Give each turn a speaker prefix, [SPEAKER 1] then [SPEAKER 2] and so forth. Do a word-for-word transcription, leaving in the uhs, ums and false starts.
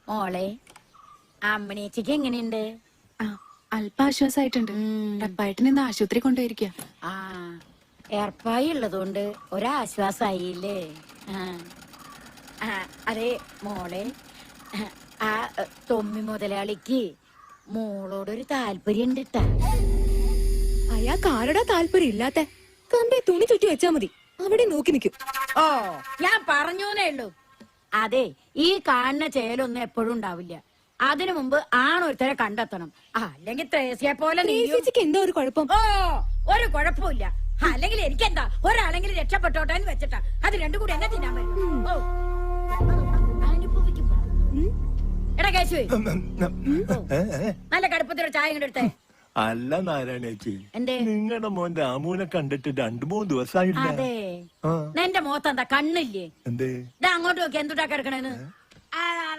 [SPEAKER 1] മോളെ അമ്മണിയച്ചിക്ക് എങ്ങനെയുണ്ട്?
[SPEAKER 2] അല്പ ആശ്വാസമായിട്ടുണ്ട്. ടപ്പായിട്ടിന് ഇന്ന് ആശുപത്രി കൊണ്ടുപോയിരിക്കുക.
[SPEAKER 1] ആ ഏർപ്പായി ഉള്ളതുകൊണ്ട് ഒരാശ്വാസായില്ലേ? ആ അതെ മോളെ, ആ തൊമ്മി മുതലാളിക്ക് മോളോടൊരു താല്പര്യം ഉണ്ട് ട്ടാ.
[SPEAKER 3] അയാൾക്ക് ആരുടെ താല്പര്യം ഇല്ലാത്ത കമ്പി തുണി ചുറ്റി വെച്ചാ മതി, അവിടെ നോക്കി നിൽക്കും.
[SPEAKER 1] ഓ ഞാൻ പറഞ്ഞൂന്നേ ഉള്ളൂ. അതെ, ഈ കാണുന്ന ചേലൊന്നും എപ്പോഴും ഉണ്ടാവില്ല. അതിനു മുമ്പ് ആണൊരുത്തരെ കണ്ടെത്തണം. അല്ലെങ്കിൽ ത്രേസ്യെ പോലെ
[SPEAKER 3] ചേച്ചിക്ക് എന്താ ഒരു കുഴപ്പം?
[SPEAKER 1] ഓ ഒരു കുഴപ്പമില്ല. അല്ലെങ്കിൽ എനിക്കെന്താ, ഒരാളെങ്കിലും രക്ഷപ്പെട്ടോട്ടെ എന്ന് വെച്ചിട്ടാ. അത് രണ്ടും കൂടി എന്നെ തിന്നാൻ പറ്റും. ഓ അനുഭവിക്കും. എടാ കേശു, നല്ല കടുപ്പത്തിലൊരു ചായ ഇങ്ങോട്ട് എടുത്തേ.
[SPEAKER 4] അല്ല നാരായണേച്ചി,
[SPEAKER 1] എന്തേ?
[SPEAKER 4] നിങ്ങളുടെ മോൻ രാമുവിനെ കണ്ടിട്ട് രണ്ടു മൂന്ന് ദിവസമായില്ല.
[SPEAKER 1] അതെ, എന്റെ മുഖത്ത് എന്താ കണ്ണില്ലേ?
[SPEAKER 4] എന്തേ
[SPEAKER 1] ഇതാ അങ്ങോട്ട് നോക്കി എന്തുട്ടാ കിടക്കണേന്ന്.